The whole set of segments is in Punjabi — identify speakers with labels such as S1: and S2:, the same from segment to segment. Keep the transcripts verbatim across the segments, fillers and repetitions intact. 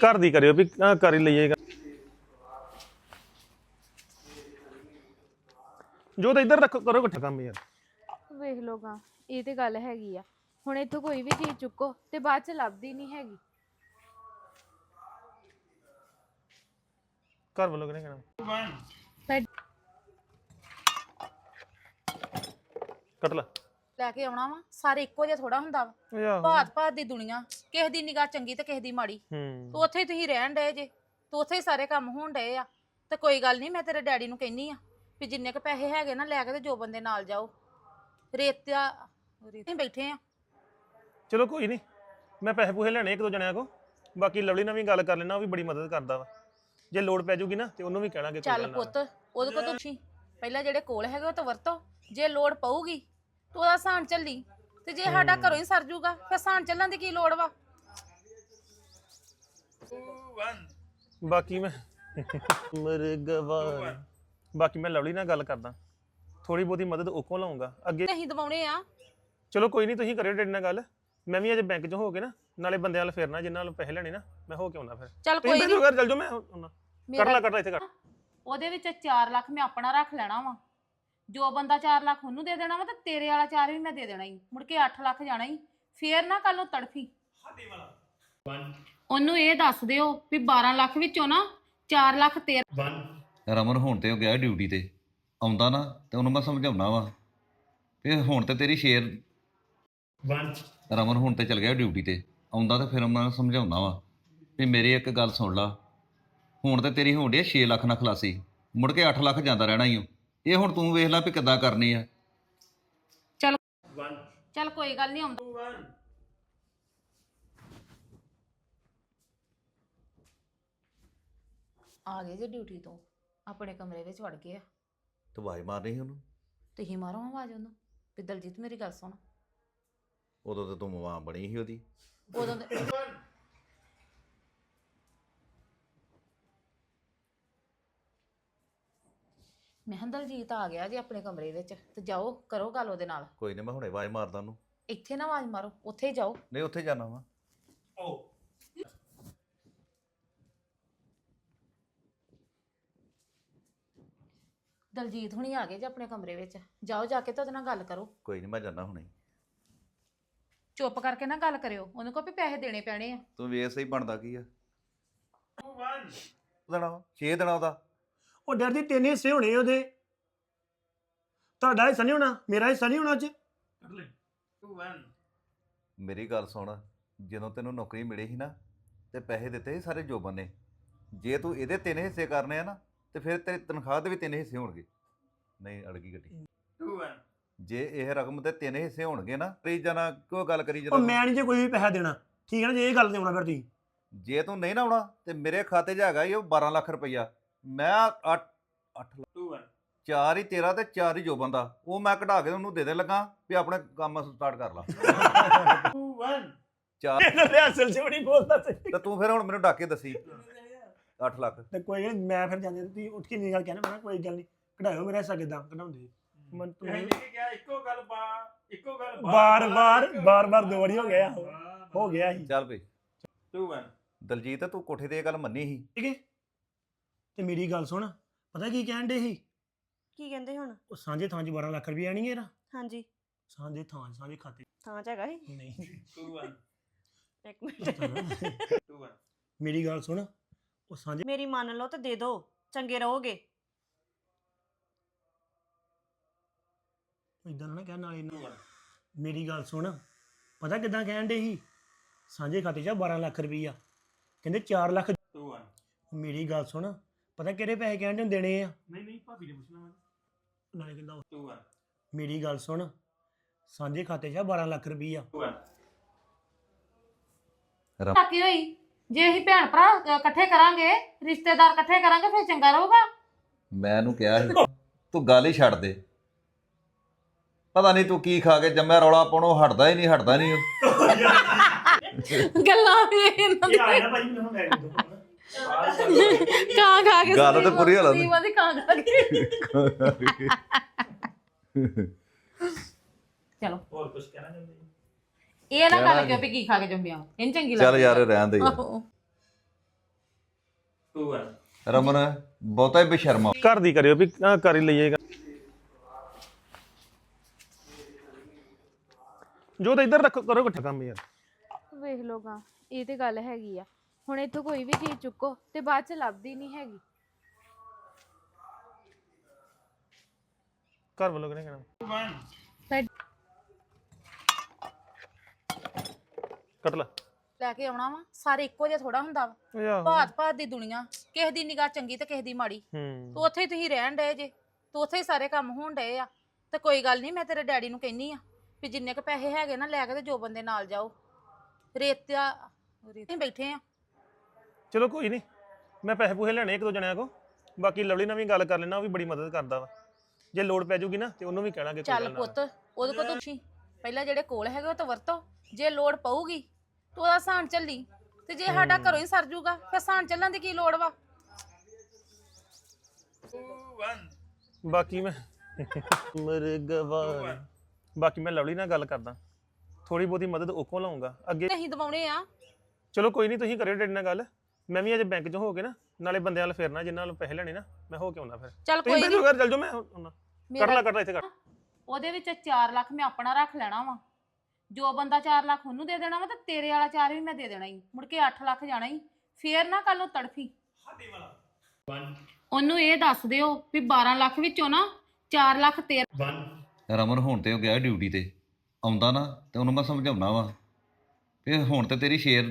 S1: ਘਰ ਦੀ ਕਰਿਓ ਵੀ ਆਹ ਕਰ ਹੀ ਲਈਏਗਾ ਜੋ ਤਾਂ ਇੱਧਰ ਰੱਖੋ ਕਰੋ ਇਕੱਠਾ ਕੰਮ ਯਾਰ
S2: ਵੇਖ ਲੋਗਾ ਇਹ ਤੇ ਗੱਲ ਹੈਗੀ ਆ ਹੁਣ ਇੱਥੋਂ ਕੋਈ ਵੀ ਚੀਜ਼ ਚੁੱਕੋ ਤੇ ਬਾਅਦ ਚ ਲੱਭਦੀ ਨਹੀਂ ਹੈਗੀ
S1: ਘਰ ਵੱਲੋਂ ਕਿਹਨੇ ਕਹਿਣਾ ਕੱਟ ਲੈ
S3: ਲੈ ਕੇ ਆਉਣਾ ਵਾ ਸਾਰੇ ਇੱਕੋ ਜਿਹਾ ਥੋੜਾ ਹੁੰਦਾ ਵਾ
S1: ਓਏ ਆਹੋ
S3: ਭਾਤ ਭਾਤ ਦੀ ਦੁਨੀਆ ਕਿਸੇ ਦੀ ਨਿਗਾਹ ਚੰਗੀ ਤੇ ਕਿਸੇ ਦੀ ਮਾੜੀ
S1: ਹੂੰ
S3: ਤੂੰ ਉੱਥੇ ਹੀ ਤੁਸੀਂ ਰਹਿਣ ਡਏ ਜੇ ਤੂੰ ਉੱਥੇ ਹੀ ਸਾਰੇ ਕੰਮ ਹੋਣ ਡਏ ਆ ਤੇ ਕੋਈ ਗੱਲ ਨਹੀਂ ਮੈਂ ਤੇਰੇ ਡੈਡੀ ਨੂੰ ਕਹਿੰਨੀ ਆ ਵੀ ਜਿੰਨੇ ਕ ਪੈਸੇ ਹੈਗੇ ਨਾ ਲੈ ਕੇ ਤੇ ਜੋ ਬੰਦੇ ਨਾਲ ਜਾਓ ਰੇਤਿਆ ਰੇਤੇ ਬੈਠੇ ਆ
S1: ਚਲੋ ਕੋਈ ਨਹੀਂ ਮੈਂ ਪੈਸੇ ਪੂਸੇ ਲੈਣੇ ਇੱਕ ਦੋ ਜਣਿਆਂ ਕੋ ਬਾਕੀ ਲਵਲੀ ਨਾਲ ਵੀ ਗੱਲ ਕਰ ਲੈਣਾ ਉਹ ਵੀ ਬੜੀ ਮਦਦ ਕਰਦਾ ਵਾ ਜੇ ਲੋੜ ਪੈ ਜੂਗੀ ਨਾ ਤੇ ਉਹਨੂੰ ਵੀ ਕਹਿਣਾਗੇ
S3: ਚੱਲ ਪੁੱਤ ਉਹਦੇ ਕੋਲ ਤੁਸੀਂ ਪਹਿਲਾਂ ਜਿਹੜੇ ਕੋਲ ਹੈਗੇ ਉਹ ਤਾਂ ਵਰਤੋ ਜੇ ਲੋੜ ਪਊਗੀ ਤੂੰ ਉਹਦਾ ਸਾਨ ਚੱਲੀ ਤੇ ਜੇ ਸਾਡਾ ਘਰੋਂ ਹੀ ਸਰ ਜੂਗਾ ਫਿਰ ਸਾਨ ਚੱਲਣ ਦੀ ਕੀ ਲੋੜ ਵਾ
S1: ਬਾਕੀ ਮੈਂ ਮਰਗਵਾ ਬਾਕੀ ਮੈਂ ਲਵਲੀ ਨਾਲ ਗੱਲ ਕਰਦਾ ਥੋੜੀ ਬਹੁਤੀ ਮਦਦ ਉਹ ਕੋਲ ਲਾਉਂਗਾ ਅੱਗੇ
S3: ਅਸੀਂ ਦਵਾਉਣੇ ਆ
S1: ਚਲੋ ਕੋਈ ਨਹੀਂ ਤੁਸੀਂ ਕਰਿਓ ਡੈਡੀ ਨਾਲ ਗੱਲ ਮੈਂ ਵੀ ਅੱਜ ਬੈਂਕ 'ਚ ਹੋ ਕੇ ਨਾ ਨਾਲੇ ਬੰਦਿਆਂ ਨਾਲ ਫੇਰਨਾ ਜਿੰਨਾਂ ਨਾਲ ਪੈਸੇ ਲੈਣੇ ਨਾ ਮੈਂ ਹੋ ਕੇ ਆਉਣਾ ਫਿਰ
S3: ਚੱਲ
S1: ਤੁਸੀਂ
S3: ਕੋਈ
S1: ਮੇਰੇ ਘਰ ਚੱਲ ਜਾਓ ਮੈਂ ਆਉਣਾ ਕਰ ਲਾ ਕਰ ਲਾ ਇੱਥੇ ਕਰ
S3: ਉਹਦੇ ਵਿੱਚ ਚਾਰ ਲੱਖ ਮੈਂ ਆਪਣਾ ਰੱਖ ਲੈਣਾ ਵਾ ਜੋ ਬੰਦਾ ਚਾਰ ਲੱਖ ਉਹਨੂੰ ਦੇ ਦੇਣਾ ਵਾ ਤੇ ਤੇਰੇ ਵਾਲਾ ਚਾਰ ਵੀ ਮੈਂ ਦੇ ਦੇਣਾ ਹੀ ਮੁੜ ਕੇ ਅੱਠ ਲੱਖ ਜਾਣਾ ਹੀ ਫੇਰ ਨਾ ਕੱਲ ਨੂੰ ਤੜਫੀ ਉਹਨੂੰ ਇਹ ਦੱਸ ਦਿਓ ਵੀ ਬਾਰਾਂ ਲੱਖ ਵਿੱਚੋਂ ਨਾ ਚਾਰ ਲੱਖ ਤੇਰਾ
S4: ਰਮਨ ਹੁਣ ਤੇ ਉਹ ਗਿਆ ਡਿਊਟੀ ਤੇ ਆਉਂਦਾ ਨਾ ਤੇ ਉਹਨੂੰ ਮੈਂ ਸਮਝਾਉਣਾ ਵਾ ਵੀ ਹੁਣ ਤੇ ਤੇਰੀ ਸ਼ੇਰ ਰਮਨ ਹੁਣ ਤੇ ਚਲ ਗਿਆ ਡਿਊਟੀ ਤੇ ਆਉਂਦਾ ਤੇ ਫਿਰ ਮੈਂ ਸਮਝਾਉਣਾ ਵਾ ਵੀ ਮੇਰੀ ਇੱਕ ਗੱਲ ਸੁਣ ਲਾ ਹੁਣ ਤੇ ਤੇਰੀ ਹੋਣ ਡਈ ਛੇ ਲੱਖ ਨਾਲ ਖਲਾਸੀ ਮੁੜ ਕੇ ਅੱਠ ਲੱਖ ਜਾਂਦਾ ਰਹਿਣਾ ਹੀ ਉਹ ਇਹ ਹੁਣ ਤੂੰ ਵੇਖ ਲੈ ਵੀ ਕਿੱਦਾਂ ਕਰਨੀ ਆ
S3: ਚੱਲ ਚੱਲ ਕੋਈ ਗੱਲ ਨਹੀਂ ਆਉਂਦਾ ਆ ਗਏ ਜੇ ਡਿਊਟੀ ਤੋਂ ਆਪਣੇ ਕਮਰੇ ਵਿੱਚ ਵੜ ਗਏ ਆ
S4: ਤੂੰ ਆਵਾਜ਼ ਮਾਰਨੀ ਸੀ ਉਹਨੂੰ
S3: ਤੁਸੀਂ ਮਾਰੋ ਆਵਾਜ਼ ਉਹਨੂੰ ਵੀ ਦਲਜੀਤ ਮੇਰੀ ਗੱਲ ਸੁਣ
S4: ਉਦੋਂ ਤੇ ਤੂੰ ਮਾਂ ਬਣੀ ਸੀ ਉਹਦੀ
S3: ਉਦੋਂ ਤੇ- ਮੈਂ ਕਿਹਾ ਦਲਜੀਤ ਆ ਗਿਆ ਜੀ ਆਪਣੇ ਕਮਰੇ ਵਿੱਚ ਤੇ ਜਾਓ ਕਰੋ ਗੱਲ ਉਹਦੇ ਨਾਲ
S4: ਕੋਈ ਨਹੀਂ ਮੈਂ ਹੁਣੇ ਆਵਾਜ਼ ਮਾਰਦਾ ਉਹਨੂੰ
S3: ਇੱਥੇ ਨਾ ਆਵਾਜ਼ ਮਾਰੋ ਉੱਥੇ ਹੀ ਜਾਓ
S4: ਨਹੀਂ ਉੱਥੇ ਜਾਣਾ ਵਾ
S3: ਦਲਜੀਤ ਹੁਣੀ ਆ ਗਏ ਜੀ ਆਪਣੇ ਕਮਰੇ ਵਿੱਚ ਜਾਓ ਜਾ ਕੇ ਤੇ ਉਹਦੇ ਨਾਲ ਗੱਲ ਕਰੋ
S4: ਕੋਈ ਨਹੀਂ ਮੈਂ ਜਾਣਾ ਹੁਣੇ
S3: ਚੁੱਪ ਕਰਕੇ ਨਾ ਗੱਲ ਕਰਿਓ ਉਹਨੂੰ ਕਹੋ ਵੀ ਪੈਸੇ ਦੇਣੇ ਪੈਣੇ ਆ
S4: ਤੂੰ ਵੇਖ ਸਹੀ ਬਣਦਾ ਕੀ ਆ ਦੇਣਾ ਛੇ ਦੇਣਾ ਉਹਦਾ
S5: ਉਹ ਡਰ ਦੀ ਤਿੰਨ ਹਿੱਸੇ ਹੋਣੇ ਉਹਦੇ ਤੁਹਾਡਾ ਹਿੱਸਾ ਨਹੀਂ ਹੋਣਾ ਮੇਰਾ ਹਿੱਸਾ ਨਹੀਂ ਹੋਣਾ ਅੱਜ
S4: ਮੇਰੀ ਗੱਲ ਸੁਣ ਜਦੋਂ ਤੈਨੂੰ ਨੌਕਰੀ ਮਿਲੀ ਸੀ ਨਾ ਤੇ ਪੈਸੇ ਦਿੱਤੇ ਸੀ ਸਾਰੇ ਜੋਬਨ ਨੇ ਜੇ ਤੂੰ ਇਹਦੇ ਤਿੰਨ ਹਿੱਸੇ ਕਰਨੇ ਆ ਨਾ ਤੇ ਫਿਰ ਤੇਰੀ ਤਨਖਾਹ ਦੇ ਵੀ ਤਿੰਨ ਹਿੱਸੇ ਹੋਣਗੇ ਨਹੀਂ ਅੜ ਗਈ ਗੱਡੀ ਜੇ ਇਹ ਰਕਮ ਦੇ ਤਿੰਨ ਹਿੱਸੇ ਹੋਣਗੇ ਨਾ ਤੇ ਜਾਨਾ ਕਿਉਂ ਗੱਲ ਕਰੀ
S5: ਉਹ
S4: ਜਦੋਂ
S5: ਮੈਂ ਨਹੀਂ ਜੇ ਕੋਈ ਵੀ ਪੈਸਾ ਦੇਣਾ ਠੀਕ ਹੈ ਨਾ ਜੇ ਇਹ ਗੱਲ ਤੇ ਆਉਣਾ ਫਿਰ ਤੁਸੀਂ
S4: ਜੇ ਤੂੰ ਨਹੀਂ ਨਾ ਆਉਣਾ ਤੇ ਮੇਰੇ ਖਾਤੇ 'ਚ ਹੈਗਾ ਈ ਉਹ ਬਾਰਾਂ ਲੱਖ ਰੁਪਈਆ ਮੈਂ ਅੱਠ ਅੱਠ ਲੱਖ ਚਾਰ ਹੀ ਤੇਰਾ ਤੇ ਚਾਰ ਹੀ ਜੋਬਨ ਦਾ ਉਹ ਮੈਂ ਕਢਾ ਕੇ ਉਹਨੂੰ ਦੇ ਦੇ ਲੱਗਾ ਵੀ ਆਪਣਾ ਕੰਮ ਸਟਾਰਟ ਕਰ ਲਾ ਚਾਰ
S5: ਅਸਲ ਚ ਬੜੀ ਬੋਲਦਾ ਸੀ
S4: ਤੇ ਤੂੰ ਫਿਰ ਹੁਣ ਮੈਨੂੰ ਡਾਕੇ ਦੱਸੀ ਅੱਠ ਲੱਖ
S5: ਤੇ ਕੋਈ ਨਹੀਂ ਮੈਂ ਫਿਰ ਜਾਂਦੇ ਤੁਸੀਂ ਉੱਠ ਕੇ ਨਹੀਂ ਗੱਲ ਕਹਿਣਾ ਮੈਂ ਕੋਈ ਗੱਲ ਨਹੀਂ ਕਢਾਇਓ ਮੇਰਾ ਹਿੱਸਾ ਕਿਦਾਂ ਕਢਾਉਂਦੇ ਮਨ ਤੂੰ
S6: ਇੱਕੋ ਗੱਲ ਬਾ ਇੱਕੋ ਗੱਲ
S5: ਬਾਰ ਬਾਰ ਬਾਰ ਬਾਰ ਦੋ ਵਾਰੀ ਹੋ ਗਿਆ ਹੋ ਗਿਆ ਸੀ
S4: ਚੱਲ ਬਈ
S6: ਟੂ ਵਨ
S4: ਦਲਜੀਤ ਤੂੰ ਕੋਠੇ ਤੇ ਇਹ ਗੱਲ ਮੰਨੀ ਸੀ
S5: ਠੀਕ ਹੈ ਤੇ ਮੇਰੀ ਗੱਲ ਸੁਣ ਪਤਾ ਕੀ ਕਹਿਣ ਦੇ ਸੀ
S7: ਕੀ ਕਹਿੰਦੇ ਹੁਣ
S5: ਉਹ ਸਾਂਝੇ ਥਾਂ 'ਚ ਬਾਰਾਂ ਲੱਖ ਰੁਪਏ ਆਣੀ ਇਹਦਾ
S7: ਹਾਂਜੀ
S5: ਸਾਂਝੇ ਥਾਂ ਸਾਂਝੇ ਖਾਤੇ
S7: ਥਾਂ ਚ ਹੈਗਾ ਸੀ
S5: ਨਹੀਂ
S6: ਟੂ ਵਨ
S7: ਇੱਕ ਮਿੰਟ
S6: ਟੂ ਵਨ
S5: ਮੇਰੀ ਗੱਲ ਸੁਣ ਉਹ ਸਾਂਝੇ
S7: ਮੇਰੀ ਮੰਨ ਲਓ ਤੇ ਦੇ ਦਿਓ ਚੰਗੇ ਰਹੋਗੇ
S5: ਇਦਾਂ ਨਾ ਕਹਿਣ ਨਾਲੇ ਨਾ ਮੇਰੀ ਗੱਲ ਸੁਣ ਪਤਾ ਕਿਦਾਂ ਕਹਿਣ ਦੇ ਸੀ ਸਾਂਝੇ ਖਾਤੇ 'ਚ ਬਾਰਾਂ ਲੱਖ ਰੁਪਈਆ ਕਹਿੰਦੇ ਚਾਰ ਲੱਖ
S6: ਟੂ ਵਨ
S5: ਮੇਰੀ ਗੱਲ ਸੁਣ ਪਤਾ ਕਿਹੜੇ ਪੈਸੇ ਕਹਿਣ ਦੇ ਦੇਣੇ ਆ
S6: ਨਹੀਂ ਨਹੀਂ ਭਾਬੀ ਨੇ ਪੁੱਛਣਾ
S5: ਨਾਲੇ ਕਹਿੰਦਾ ਉਹ-
S6: ਟੂ ਵਨ
S5: ਮੇਰੀ ਗੱਲ ਸੁਣ ਸਾਂਝੇ ਖਾਤੇ 'ਚ ਬਾਰਾਂ ਲੱਖ ਰੁਪਈਆ
S6: ਟੂ ਵਨ
S3: ਬਾਕੀ ਹੋਈ ਜੇ ਅਸੀਂ ਭੈਣ ਭਰਾ ਅ, ਇਕੱਠੇ ਕਰਾਂਗੇ ਰਿਸ਼ਤੇਦਾਰ ਇਕੱਠੇ ਕਰਾਂਗੇ ਫਿਰ ਚੰਗਾ ਰਹੂਗਾ
S4: ਮੈਂ ਇਹਨੂੰ ਕਿਹਾ ਸੀ ਤੂੰ ਗੱਲ ਹੀ ਛੱਡ ਦੇ ਪਤਾ ਨਹੀਂ ਤੂੰ ਕੀ ਖਾ ਕੇ ਜੰਮਿਆ ਰੌਲਾ ਪਾਉਣੋਂ ਹਟਦਾ ਹੀ ਨਹੀਂ ਹਟਦਾ ਨਹੀਂ ਉਹ
S3: ਗੱਲਾਂ ਵੀ ਇਹਨਾਂ
S5: ਇਹ ਆਇਆ ਭਾਈ ਮੈਨੂੰ ਲੈ ਕੇ
S3: ਕਾਂ ਖਾ ਕੇ
S4: ਗੱਲ ਤਾਂ ਪੂਰੀ ਹਾਲਤ
S3: ਸੰਦੀਪ ਆਂਦੀ ਕਾਂ ਖਾ ਕੇ ਚਲੋ
S6: ਹੋਰ ਕੁਝ ਕਹਿਣਾ ਚਾਹੁੰਦੇ ਜੀ
S3: ਇਹ ਨਾ ਗੱਲ ਕਿਉਂ ਵੀ ਕੀ ਖਾ ਕੇ ਜੰਮਿਆ ਇਹਨੂੰ ਚੰਗੀ ਲੱਗਦੀ
S4: ਚੱਲ ਯਾਰ ਰਹਿਣ ਦੇ ਯਾਰ
S3: ਆਹੋ।
S6: ਟੂ ਵਨ
S4: ਰਮਨ ਬਹੁਤਾ ਹੀ ਬੇਸ਼ਰਮਾ।
S1: ਘਰ ਦੀ ਕਰਿਓ ਵੀ ਆਹ ਕਰ ਹੀ ਲਈਏਗਾ ਜੋ ਤਾਂ ਇੱਧਰ ਰੱਖੋ, ਕਰੋ ਇਕੱਠਾ ਕੰਮ ਯਾਰ।
S2: ਵੇਖ ਲੋਗਾ ਇਹ ਤੇ ਗੱਲ ਹੈਗੀ ਆ। ਹੁਣ ਇੱਥੋਂ ਕੋਈ ਵੀ ਚੀਜ਼ ਚੁੱਕੋ ਤੇ ਬਾਅਦ ਚ ਲੱਭਦੀ ਨਹੀਂ ਹੈਗੀ।
S1: ਘਰ ਵੱਲੋਂ ਕਿਹਨੇ ਕਹਿਣਾ
S2: ਸਾਡ-
S1: ਕੱਟ ਲੈ
S3: ਲੈ ਕੇ ਆਉਣਾ ਵਾ, ਸਾਰੇ ਇੱਕੋ ਜਿਹਾ ਥੋੜਾ ਹੁੰਦਾ ਵਾ।
S1: ਓਏ ਆਹੋ।
S3: ਭਾਤ ਭਾਤ ਦੀ ਦੁਨੀਆ, ਕਿਸੇ ਦੀ ਨਿਗਾਹ ਚੰਗੀ ਤੇ ਕਿਸੇ ਦੀ ਮਾੜੀ।
S1: ਹੂੰ
S3: ਤੂੰ ਉੱਥੇ ਹੀ ਤੁਸੀਂ ਰਹਿਣ ਡਏ ਜੇ, ਤੂੰ ਉੱਥੇ ਹੀ ਸਾਰੇ ਕੰਮ ਹੋਣ ਡਏ ਆ। ਤੇ ਕੋਈ ਗੱਲ ਨਹੀਂ, ਮੈਂ ਤੇਰੇ ਡੈਡੀ ਨੂੰ ਕਹਿੰਨੀ ਆ ਵੀ ਜਿੰਨੇ ਕ ਪੈਸੇ ਹੈਗੇ ਨਾ ਲੈ ਕੇ ਤੇ ਜੋ ਬੰਦੇ ਨਾਲ ਜਾਓ। ਰੇਤਿਆ ਰੇਤੇ ਬੈਠੇ ਆ।
S1: ਚਲੋ ਕੋਈ ਨਹੀਂ, ਮੈਂ ਪੈਸੇ ਪੂਹੇ ਲੈਣੇ ਇੱਕ ਦੋ ਜਣਿਆਂ ਕੋ। ਬਾਕੀ ਲਵਲੀ ਨਾਲ ਵੀ ਗੱਲ ਕਰ ਲੈਣਾ, ਉਹ ਵੀ ਬੜੀ ਮਦਦ ਕਰਦਾ ਵਾ। ਜੇ ਲੋੜ ਪੈ ਜੂਗੀ ਨਾ ਤੇ ਉਹਨੂੰ ਵੀ ਕਹਿਣਾਗੇ ਕੋਈ
S3: ਚੱਲ
S1: ਗੱਲ ਨਾ।
S3: ਪੁੱਤ, ਉਹਦੇ ਕੋਲ ਤੁਸੀਂ ਪਹਿਲਾਂ ਜਿਹੜੇ ਕੋਲ ਹੈਗੇ ਉਹ ਤਾਂ ਵਰਤੋ। ਜੇ ਲੋੜ ਪਊਗੀ ਤੂੰ ਉਹਦਾ ਸਾਨ ਚੱਲੀ, ਤੇ ਜੇ ਸਾਡਾ ਘਰੋਂ ਹੀ ਸਰ ਜੂਗਾ ਫਿਰ ਸਾਨ ਚੱਲਣ ਦੀ ਕੀ ਲੋੜ ਵਾ।
S1: ਬਾਕੀ ਮੈਂ ਮਰਗਵਾ ਬਾਕੀ ਮੈਂ ਲਵਲੀ ਨਾਲ ਗੱਲ ਕਰਦਾ, ਥੋੜੀ ਬਹੁਤੀ ਮਦਦ ਉਹ ਕੋਲ ਲਾਉਂਗਾ ਅੱਗੇ।
S3: ਅਸੀਂ ਦਵਾਉਣੇ ਆ।
S1: ਚਲੋ ਕੋਈ ਨਹੀਂ, ਤੁਸੀਂ ਕਰਿਓ ਡੈਡੀ ਨਾਲ ਗੱਲ। ਮੈਂ ਵੀ ਅੱਜ ਬੈਂਕ 'ਚ ਹੋ ਕੇ ਨਾ ਨਾਲੇ ਬੰਦਿਆਂ ਨਾਲ ਫੇਰਨਾ, ਜਿਨ੍ਹਾਂ ਨਾਲ ਪੈਸੇ ਲੈਣੇ ਨਾ ਮੈਂ ਹੋ ਕੇ ਆਉਣਾ। ਫਿਰ
S3: ਚੱਲ
S1: ਤੁਸੀਂ
S3: ਕੋਈ
S1: ਮੇਰੇ
S3: ਨਹੀਂ,
S1: ਘਰ ਚੱਲ ਜਾਓ, ਮੈਂ ਆਉਣਾ। ਕਰ ਲੈ ਕਰ ਲੈ ਇੱਥੇ ਕਰ।
S3: ਉਹਦੇ ਵਿੱਚ ਚਾਰ ਲੱਖ ਮੈਂ ਆਪਣਾ ਰੱਖ ਲੈਣਾ ਵਾ। ਜੋ ਬੰਦਾ ਚਾਰ ਲੱਖ ਉਹਨੂੰ ਦੇ ਦੇਣਾ ਵਾ ਤੇ ਤੇਰੇ ਵਾਲਾ ਚਾਰ ਵੀ ਮੈਂ ਦੇ ਦੇਣਾ ਹੀ। ਮੁੜ ਕੇ ਅੱਠ ਲੱਖ ਜਾਣਾ ਹੀ। ਫੇਰ ਨਾ ਕੱਲ ਨੂੰ ਤੜਫੀ। ਉਹਨੂੰ ਇਹ ਦੱਸ ਦਿਓ ਵੀ ਬਾਰਾਂ ਲੱਖ ਵਿੱਚੋਂ ਨਾ ਚਾਰ ਲੱਖ ਤੇਰਾ।
S4: ਰਮਨ ਹੁਣ ਤੇ ਉਹ ਗਿਆ ਡਿਊਟੀ ਤੇ, ਆਉਂਦਾ ਨਾ ਤੇ ਉਹਨੂੰ ਮੈਂ ਸਮਝਾਉਣਾ ਵਾ ਵੀ ਹੁਣ ਤੇ ਤੇਰੀ ਸ਼ੇਰ।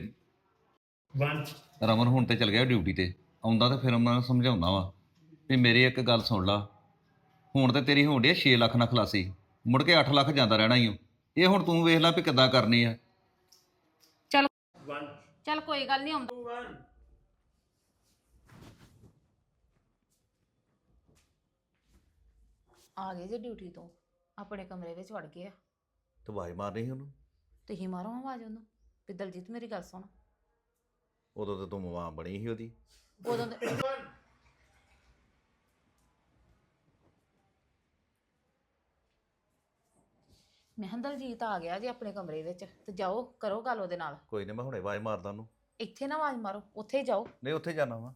S4: ਰਮਨ ਹੁਣ ਤੇ ਚਲ ਗਿਆ ਡਿਊਟੀ ਤੇ, ਆਉਂਦਾ ਤੇ ਫਿਰ ਉਹਨਾਂ ਨੂੰ ਸਮਝਾਉਣਾ ਵਾ ਵੀ ਮੇਰੀ ਇੱਕ ਗੱਲ ਸੁਣ ਲਾ। ਹੁਣ ਤੇ ਤੇਰੀ ਹੋਣ ਡਈ ਛੇ ਲੱਖ ਨਾਲ ਖਲਾਸੀ, ਮੁੜ ਕੇ ਅੱਠ ਲੱਖ ਜਾਂਦਾ ਰਹਿਣਾ ਹੀ। ਇਹ ਹੁਣ ਤੂੰ ਵੇਖ ਲੈ ਵੀ ਕਿੱਦਾਂ ਕਰਨੀ ਆ।
S3: ਚੱਲ ਚੱਲ ਕੋਈ ਗੱਲ ਨਹੀਂ, ਆਉਂਦਾ। ਆ ਗਏ ਜੇ ਡਿਊਟੀ ਤੋਂ, ਆਪਣੇ ਕਮਰੇ ਵਿੱਚ ਵੜ ਗਏ ਆ।
S4: ਤੂੰ ਆਵਾਜ਼ ਮਾਰਨੀ ਸੀ ਉਹਨੂੰ,
S3: ਤੁਸੀਂ ਮਾਰੋ ਆਵਾਜ਼ ਉਹਨੂੰ ਵੀ ਦਲਜੀਤ ਮੇਰੀ ਗੱਲ ਸੁਣ।
S4: ਉਦੋਂ ਤੇ ਤੂੰ ਮਾਂ ਬਣੀ ਸੀ ਉਹਦੀ।
S3: ਉਦੋਂ ਦੇ- ਮੈਂ ਕਿਹਾ ਦਲਜੀਤ ਆ ਗਿਆ ਜੀ ਆਪਣੇ ਕਮਰੇ ਵਿੱਚ, ਤੇ ਜਾਓ ਕਰੋ ਗੱਲ ਉਹਦੇ ਨਾਲ।
S4: ਕੋਈ ਨਹੀਂ, ਮੈਂ ਹੁਣੇ ਆਵਾਜ਼ ਮਾਰਦਾ ਉਹਨੂੰ।
S3: ਇੱਥੇ ਨਾ ਆਵਾਜ਼ ਮਾਰੋ, ਉੱਥੇ ਹੀ ਜਾਓ।
S4: ਨਹੀਂ ਉੱਥੇ ਜਾਣਾ ਵਾ।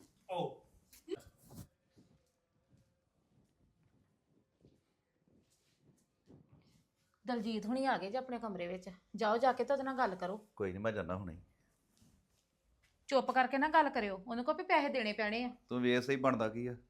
S3: ਦਲਜੀਤ ਹੁਣੀ ਆ ਗਏ ਜੀ ਆਪਣੇ ਕਮਰੇ ਵਿੱਚ, ਜਾਓ ਜਾ ਕੇ ਤੇ ਉਹਦੇ ਨਾਲ ਗੱਲ ਕਰੋ।
S4: ਕੋਈ ਨਹੀਂ, ਮੈਂ ਜਾਣਾ ਹੁਣੇ।
S3: ਚੁੱਪ ਕਰਕੇ ਨਾ ਗੱਲ ਕਰਿਓ, ਉਹਨੂੰ ਕਹੋ ਵੀ ਪੈਸੇ ਦੇਣੇ ਪੈਣੇ ਆ।
S4: ਤੂੰ ਵੇਖ ਸਹੀ ਬਣਦਾ ਕੀ ਆ।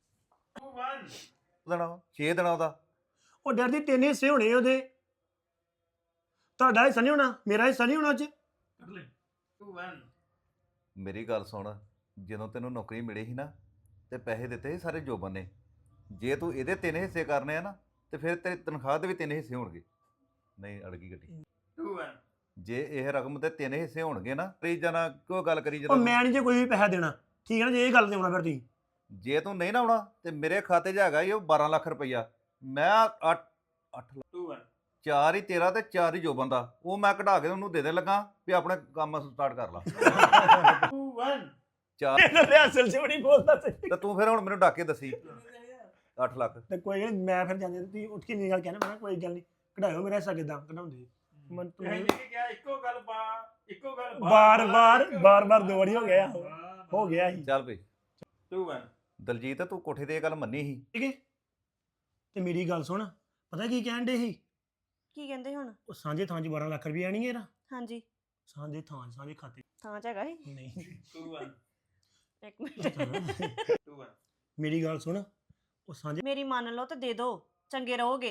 S4: ਦੇਣਾ ਛੇ ਦਿਨਾਂ ਉਹਦਾ।
S5: ਉਹ ਡਰ ਦੀ ਤਿੰਨ ਹਿੱਸੇ ਹੋਣੇ ਉਹਦੇ। ਤੁਹਾਡਾ ਹਿੱਸਾ ਨਹੀਂ ਹੋਣਾ, ਮੇਰਾ ਹਿੱਸਾ ਨਹੀਂ ਹੋਣਾ ਅੱਜ।
S6: ਟੂ ਵਨ
S4: ਮੇਰੀ ਗੱਲ ਸੁਣ, ਜਦੋਂ ਤੈਨੂੰ ਨੌਕਰੀ ਮਿਲੀ ਸੀ ਨਾ ਤੇ ਪੈਸੇ ਦਿੱਤੇ ਸੀ ਸਾਰੇ ਜੋਬਨ ਨੇ। ਜੇ ਤੂੰ ਇਹਦੇ ਤਿੰਨ ਹਿੱਸੇ ਕਰਨੇ ਆ ਨਾ ਤੇ ਫਿਰ ਤੇਰੀ ਤਨਖਾਹ ਦੇ ਵੀ ਤਿੰਨ ਹਿੱਸੇ ਹੋਣਗੇ। ਨਹੀਂ ਅੜ ਗਈ ਗੱਡੀ।
S6: ਟੂ ਵਨ
S4: ਜੇ ਇਹ ਰਕਮ ਦੇ ਤਿੰਨ ਹਿੱਸੇ ਹੋਣਗੇ ਨਾ, ਤੇ ਜਾਣਾ ਕਿਉਂ ਗੱਲ ਕਰੀ
S5: ਉਹ
S4: ਜਦੋਂ।
S5: ਮੈਂ ਨਹੀਂ ਜੇ ਕੋਈ ਵੀ ਪੈਸਾ ਦੇਣਾ, ਠੀਕ ਹੈ ਨਾ। ਜੇ ਇਹ ਗੱਲ ਤੇ ਆਉਣਾ ਫਿਰ ਤੁਸੀਂ
S4: ਜੇ ਤੂੰ ਨਹੀਂ ਨਾ ਆਉਣਾ ਤੇ ਮੇਰੇ ਖਾਤੇ 'ਚ ਹੈਗਾ ਹੀ ਉਹ ਬਾਰਾਂ ਲੱਖ ਰੁਪਈਆ। ਮੈਂ ਅੱਠ ਅੱਠ ਲੱਖ
S6: ਟੂ ਵਨ
S4: ਚਾਰ ਹੀ ਤੇਰਾ ਤੇ ਚਾਰ ਹੀ ਜੋਬਨ ਦਾ, ਉਹ ਮੈਂ ਕਢਾ ਕੇ ਉਹਨੂੰ ਦੇ ਦੇ ਲੱਗਾ ਵੀ ਆਪਣੇ ਕੰਮ ਸਟਾਰਟ ਕਰ ਲਾ।
S6: ਟੂ ਵਨ
S4: ਚਾਰ
S5: ਅਸਲ ਚ ਬੜੀ ਬੋਲਦਾ ਸੀ।
S4: ਤੇ ਤੂੰ ਫਿਰ ਹੁਣ ਮੈਨੂੰ ਡਾਕੇ ਦੱਸੀ ਅੱਠ ਲੱਖ।
S5: ਤੇ ਕੋਈ ਗੱਲ ਨੀ, ਮੈਂ ਫਿਰ ਜਾਂਦੇ ਤੁਸੀਂ ਉੱਠ ਕੇ ਨਹੀਂ ਗੱਲ ਕਹਿਣਾ। ਮੈਂ ਕਿਹਾ ਕੋਈ ਗੱਲ ਨਹੀਂ, ਕਢਾਇਓ ਮੇਰਾ ਹਿੱਸਾ ਕਿੱਦਾਂ ਕਢਾਉਂਦੇ। ਮਨ
S6: ਇਹ ਲੈ ਕੇ ਗਿਆ ਇੱਕੋ ਗੱਲ ਬਾ ਇੱਕੋ ਗੱਲ
S5: ਬਾਰ ਬਾਰ ਬਾਰ ਬਾਰ ਦੋ ਵਾਰੀ ਹੋ ਗਿਆ ਹੋ ਗਿਆ ਸੀ।
S4: ਚੱਲ ਬਈ
S6: ਟੂ ਵਨ
S4: ਦਲਜੀਤ, ਤੂੰ ਕੋਠੇ ਤੇ ਇਹ ਗੱਲ ਮੰਨੀ ਸੀ।
S5: ਠੀਕ ਹੈ, ਤੇ ਮੇਰੀ ਗੱਲ ਸੁਣ, ਪਤਾ ਕੀ ਕਹਿਣ ਦੇ ਸੀ?
S7: ਕੀ ਕਹਿੰਦੇ ਹੁਣ?
S5: ਉਹ ਸਾਂਝੇ ਥਾਂ 'ਚ ਬਾਰਾਂ ਲੱਖ ਰੁਪਏ ਆਣੀ ਇਹਦਾ।
S7: ਹਾਂਜੀ,
S5: ਸਾਂਝੇ ਥਾਂ 'ਚ, ਸਾਂਝੇ ਖਾਤੇ 'ਚ।
S7: ਥਾਂ ਚ ਹੈਗਾ ਸੀ।
S5: ਨਹੀਂ
S6: ਟੂ ਵਨ
S7: ਇੱਕ ਮਿੰਟ,
S6: ਟੂ ਵਨ
S5: ਮੇਰੀ ਗੱਲ ਸੁਣ, ਉਹ ਸਾਂਝੇ
S7: ਮੇਰੀ ਮੰਨ ਲਓ ਤੇ ਦੇ ਦਿਓ, ਚੰਗੇ ਰਹੋਗੇ।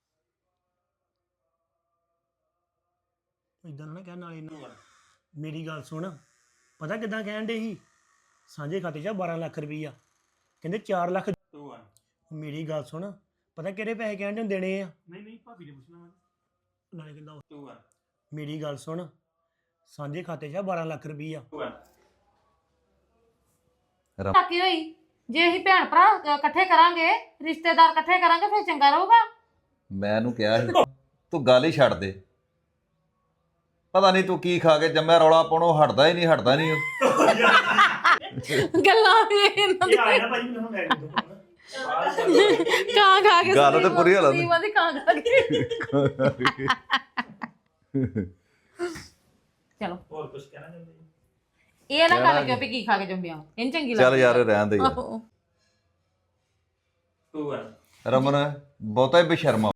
S5: ਇਦਾਂ ਨਾ ਕਹਿਣ ਨਾਲੇ
S6: ਟੂ
S5: ਨਾ।
S6: ਵਨ
S5: ਮੇਰੀ ਗੱਲ ਸੁਣ, ਪਤਾ ਕਿੱਦਾਂ ਕਹਿਣ ਦੇ ਸੀ? ਸਾਂਝੇ ਖਾਤੇ 'ਚ ਬਾਰਾਂ ਲੱਖ ਰੁਪਈਆ, ਕਹਿੰਦੇ ਚਾਰ ਲੱਖ।
S6: ਟੂ ਵਨ
S5: ਮੇਰੀ ਗੱਲ ਸੁਣ, ਪਤਾ ਕਿਹੜੇ ਪੈਸੇ ਕਹਿਣ ਦੇ ਦੇਣੇ ਆ?
S6: ਨਹੀਂ ਨਹੀਂ ਭਾਬੀ ਨੇ ਪੁੱਛਣਾ ਮੈਂ
S5: ਨਾਲੇ ਕਹਿੰਦਾ ਉਹ-
S6: ਟੂ ਵਨ
S5: ਮੇਰੀ ਗੱਲ ਸੁਣ, ਸਾਂਝੇ ਖਾਤੇ 'ਚ ਬਾਰਾਂ ਲੱਖ ਰੁਪਈਆ।
S6: ਟੂ ਵਨ
S3: ਕੀ ਹੋਈ ਜੇ ਅਸੀਂ ਭੈਣ ਭਰਾ ਅ, ਇਕੱਠੇ ਕਰਾਂਗੇ, ਰਿਸ਼ਤੇਦਾਰ ਇਕੱਠੇ ਕਰਾਂਗੇ, ਫਿਰ ਚੰਗਾ ਰਹੂਗਾ।
S4: ਮੈਂ ਇਹਨੂੰ ਕਿਹਾ ਸੀ ਤੂੰ ਗੱਲ ਹੀ ਛੱਡ ਦੇ। ਪਤਾ ਨਹੀਂ ਤੂੰ ਕੀ ਖਾ ਕੇ ਜੰਮਿਆ, ਰੌਲਾ ਪਾਉਣੋਂ ਹਟਦਾ ਹੀ ਨਹੀਂ ਹਟਦਾ ਨਹੀਂ ਉਹ।
S3: ਗੱਲਾਂ ਵੀ ਇਹਨਾਂ
S5: ਇਹ ਆਇਆ ਨਾ ਭਾਈ ਮੈਨੂੰ ਲੈ ਕੇ ਦੋ।
S3: ਕਾਂ ਖਾ ਕੇ
S4: ਗੱਲ ਤਾਂ ਪੂਰੀ ਹਾਲਤ
S3: ਸਲੀਮ ਦੀ ਕਾਂ ਖਾ ਕੇ। ਚਲੋ
S6: ਹੋਰ ਕੁਝ ਕਹਿਣਾ ਚਾਹੁੰਦੇ ਜੀ
S3: ਇਹ ਨਾ
S4: ਕਹਿਣਾ
S3: ਗੱਲ ਕਿਉਂ ਵੀ ਕੀ ਖਾ ਕੇ ਜੰਮਿਆ ਇਹਨੂੰ ਚੰਗੀ
S4: ਚੱਲ
S3: ਲੱਗਦੀ
S4: ਯਾਰ ਰਹਿਣ ਦੇ ਯਾਰ
S3: ਆਹੋ।
S6: ਟੂ ਵਨ
S4: ਰਮਨ ਬਹੁਤਾ ਹੀ ਬੇਸ਼ਰਮਾ